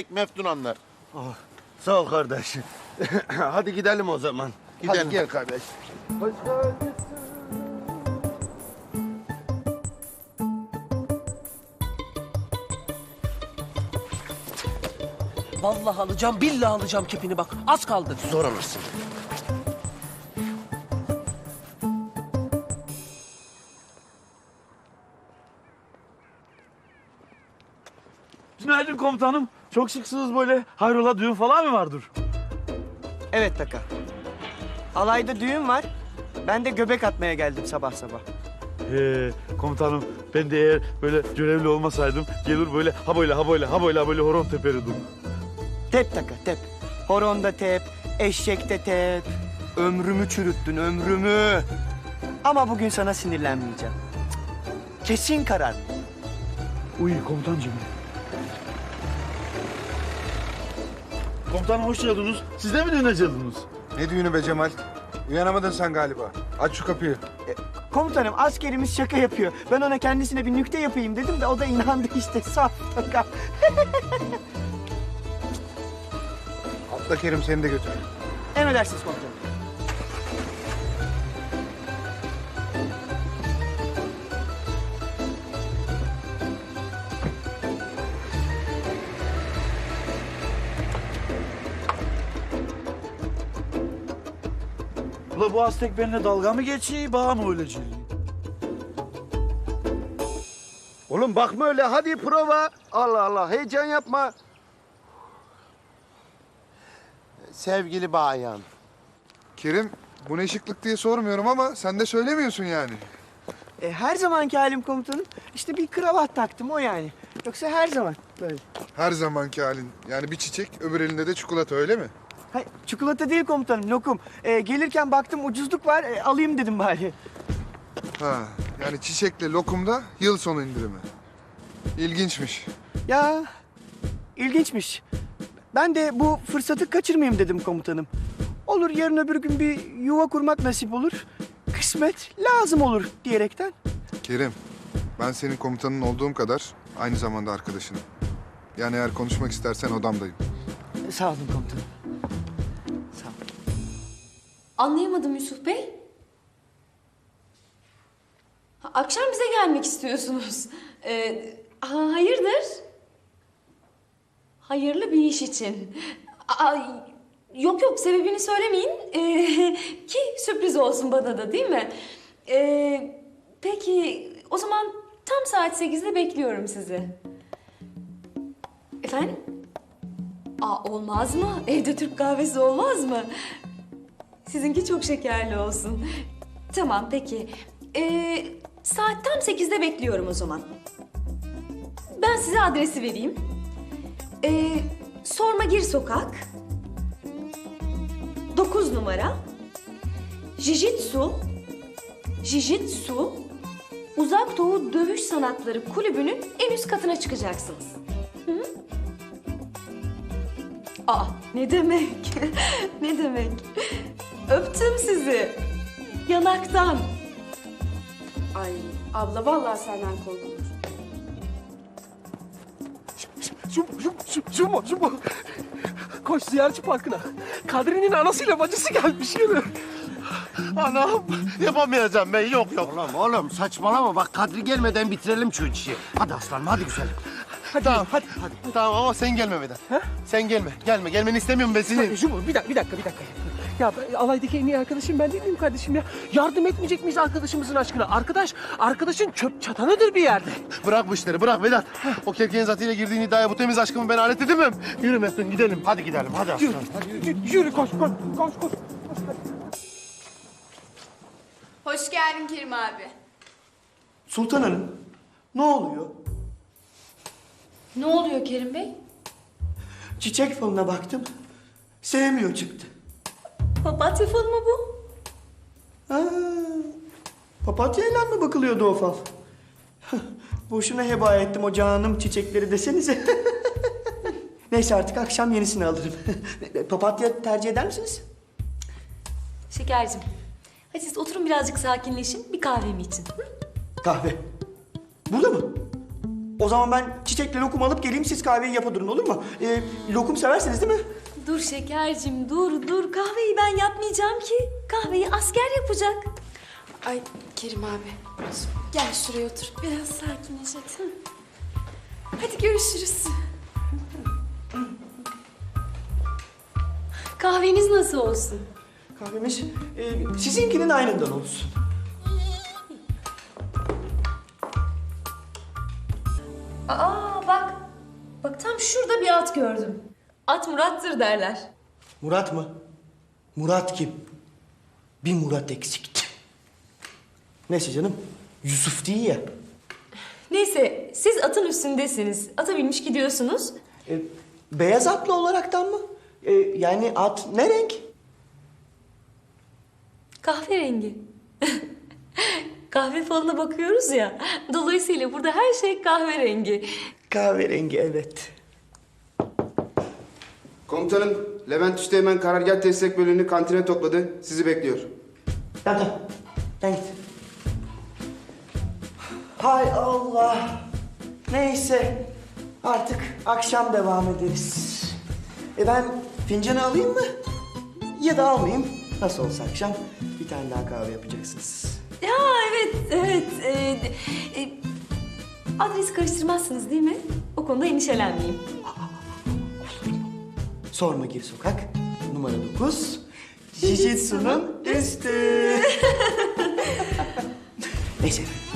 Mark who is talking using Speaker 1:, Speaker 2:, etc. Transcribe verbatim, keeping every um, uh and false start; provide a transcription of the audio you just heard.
Speaker 1: Meftun anlar.
Speaker 2: Oh, sağ ol kardeş. Hadi gidelim o zaman.
Speaker 1: Gidelim.
Speaker 2: Hadi gel kardeş. Hoş geldin.
Speaker 3: Vallahi alacağım, billahi alacağım kepini bak. Az kaldı.
Speaker 2: Zor alırsın.
Speaker 4: Günaydın komutanım. Çok şıksınız böyle. Hayrola düğün falan mı vardır?
Speaker 5: Evet Taka. Alayda düğün var. Ben de göbek atmaya geldim sabah sabah.
Speaker 4: He, komutanım ben de eğer böyle görevli olmasaydım gelir böyle ha böyle ha böyle ha böyle ha böyle horon teperirdim.
Speaker 5: Tep Taka tep. Horonda tep, eşekte tep. Ömrümü çürüttün ömrümü. Ama bugün sana sinirlenmeyeceğim. Cık. Kesin karar.
Speaker 4: Uy komutancığım. Komutanım hoş geldiniz. Siz de mi düğüne geldiniz?
Speaker 6: Ne düğünü be Cemal? Uyanamadın sen galiba. Aç şu kapıyı.
Speaker 5: Komutanım askerimiz şaka yapıyor. Ben ona kendisine bir nükte yapayım dedim de o da inandı işte. Saf Taka.
Speaker 6: Atla Kerim seni de götür.
Speaker 5: Emredersiniz komutanım.
Speaker 4: Ula bu Aztek benimle dalga mı geçiyor, bağ mı öyle geliyor?
Speaker 2: Oğlum bakma öyle. Hadi prova. Allah Allah. Heyecan yapma.
Speaker 1: Sevgili bayan.
Speaker 6: Kerim bu ne şıklık diye sormuyorum ama sen de söylemiyorsun yani.
Speaker 5: E, her zamanki halim komutanım. İşte bir kravat taktım o yani. Yoksa her zaman böyle.
Speaker 6: Her zamanki halin. Yani bir çiçek öbür elinde de çikolata öyle mi?
Speaker 5: Hayır, çikolata değil komutanım, lokum. E, gelirken baktım ucuzluk var, e, alayım dedim bari.
Speaker 6: Ha yani çiçekle lokumda yıl sonu indirimi. İlginçmiş.
Speaker 5: Ya, ilginçmiş. Ben de bu fırsatı kaçırmayayım dedim komutanım. Olur yarın öbür gün bir yuva kurmak nasip olur. Kısmet lazım olur diyerekten.
Speaker 6: Kerim ben senin komutanın olduğum kadar aynı zamanda arkadaşınım. Yani eğer konuşmak istersen odamdayım.
Speaker 5: E, sağ olun komutanım. Sağ olun.
Speaker 7: Anlayamadım Yusuf Bey. Ha, akşam bize gelmek istiyorsunuz. Ee, ha, hayırdır? Hayırlı bir iş için. Aa, yok yok sebebini söylemeyin. Ee, ki sürpriz olsun bana da değil mi? Ee, peki o zaman tam saat sekizde bekliyorum sizi. Efendim? Aa, olmaz mı? Evde Türk kahvesi olmaz mı? Sizinki çok şekerli olsun. Tamam peki. Ee, saat tam sekizde bekliyorum o zaman. Ben size adresi vereyim. Ee, Sormagir Sokak. Dokuz numara. Jijitsu. Jijitsu. Uzak Doğu Dövüş Sanatları Kulübü'nün en üst katına çıkacaksınız. Hı hı. Aa, ne demek? Ne demek? Öptüm sizi. Yanaktan.
Speaker 8: Ay abla vallahi senden korkulur.
Speaker 3: Şu, şu, şu, şu mu, şu mu? Koş ziyaretçi parkına. Kadri'nin anasıyla bacısı gelmiş yine.
Speaker 1: Anam yapamayacağım ben. Yok yok.
Speaker 2: Oğlum oğlum saçmalama. Bak Kadri gelmeden bitirelim şu işi. Hadi aslanım hadi güzelim.
Speaker 1: Hadi, tamam hadi. hadi. Tamam ama sen gelme Vedat. Sen gelme. Gelme. Gelmeni istemiyorum ben senin.
Speaker 3: Şu mu? Bir dakika, bir dakika, bir dakika. Ya ben- alaydaki en iyi arkadaşım ben değil miyim kardeşim ya? Yardım etmeyecek miyiz arkadaşımızın aşkına? Arkadaş, arkadaşın çöp çatanıdır bir yerde.
Speaker 1: Bırak bu işleri bırak Vedat. O kerkeğin zatıyla girdiğin iddiaya bu temiz aşkımı ben alet edemem. Yürü Meftun gidelim.
Speaker 2: Hadi gidelim hadi
Speaker 3: Yürü,
Speaker 2: aslanım.
Speaker 3: yürü, yürü koş, koş, koş, koş.
Speaker 8: Hoş geldin Kerim abi.
Speaker 5: Sultan Hanım, ne oluyor?
Speaker 7: Ne oluyor Kerim Bey?
Speaker 5: Çiçek falına baktım, sevmiyor çıktı.
Speaker 7: Papatya falı mı bu?
Speaker 5: Ha, papatyayla mı bakılıyordu o fal? Boşuna heba ettim o canım çiçekleri desenize. Neyse artık akşam yenisini alırım. Papatya tercih eder misiniz?
Speaker 7: Şekercim. Hadi siz oturun birazcık sakinleşin. Bir kahvemi için. Hı?
Speaker 5: Kahve. Burada mı? O zaman ben çiçekle lokum alıp geleyim, siz kahveyi yapa durun, olur mu? Ee, lokum seversiniz değil mi?
Speaker 7: Dur şekercim, dur dur. Kahveyi ben yapmayacağım ki. Kahveyi asker yapacak.
Speaker 8: Ay Kerim abi. Gel şuraya otur. Biraz sakinleş hadi. Hadi görüşürüz.
Speaker 7: Kahveniz nasıl olsun?
Speaker 5: Kahvemiz e, sizinkinin aynından olsun.
Speaker 7: Aa bak. Bak tam şurada bir at gördüm. At Murat'tır derler.
Speaker 5: Murat mı? Murat kim? Bir Murat eksikti. Neyse canım, Yusuf değil ya.
Speaker 7: Neyse siz atın üstündesiniz. Ata binmiş gidiyorsunuz.
Speaker 5: E, beyaz atlı olaraktan mı? E, yani at ne renk?
Speaker 7: Kahverengi. Kahve falına bakıyoruz ya. Dolayısıyla burada her şey kahverengi.
Speaker 5: Kahverengi, evet.
Speaker 9: Komutanım, Levent Üsteğmen karargah destek bölüğünü kantine topladı. Sizi bekliyor.
Speaker 5: Tamam tamam. Sen git. Hay Allah. Neyse. Artık akşam devam ederiz. E ben fincanı alayım mı? Ya da almayayım. Nasıl olsa akşam bir tane daha kahve yapacaksınız.
Speaker 7: Ya evet, evet. Ee, e, adresi karıştırmazsınız değil mi? O konuda endişelenmeyeyim.
Speaker 5: Sorma Gir Sokak. Numara dokuz. Jijitsu'nun üstü. Neyse efendim.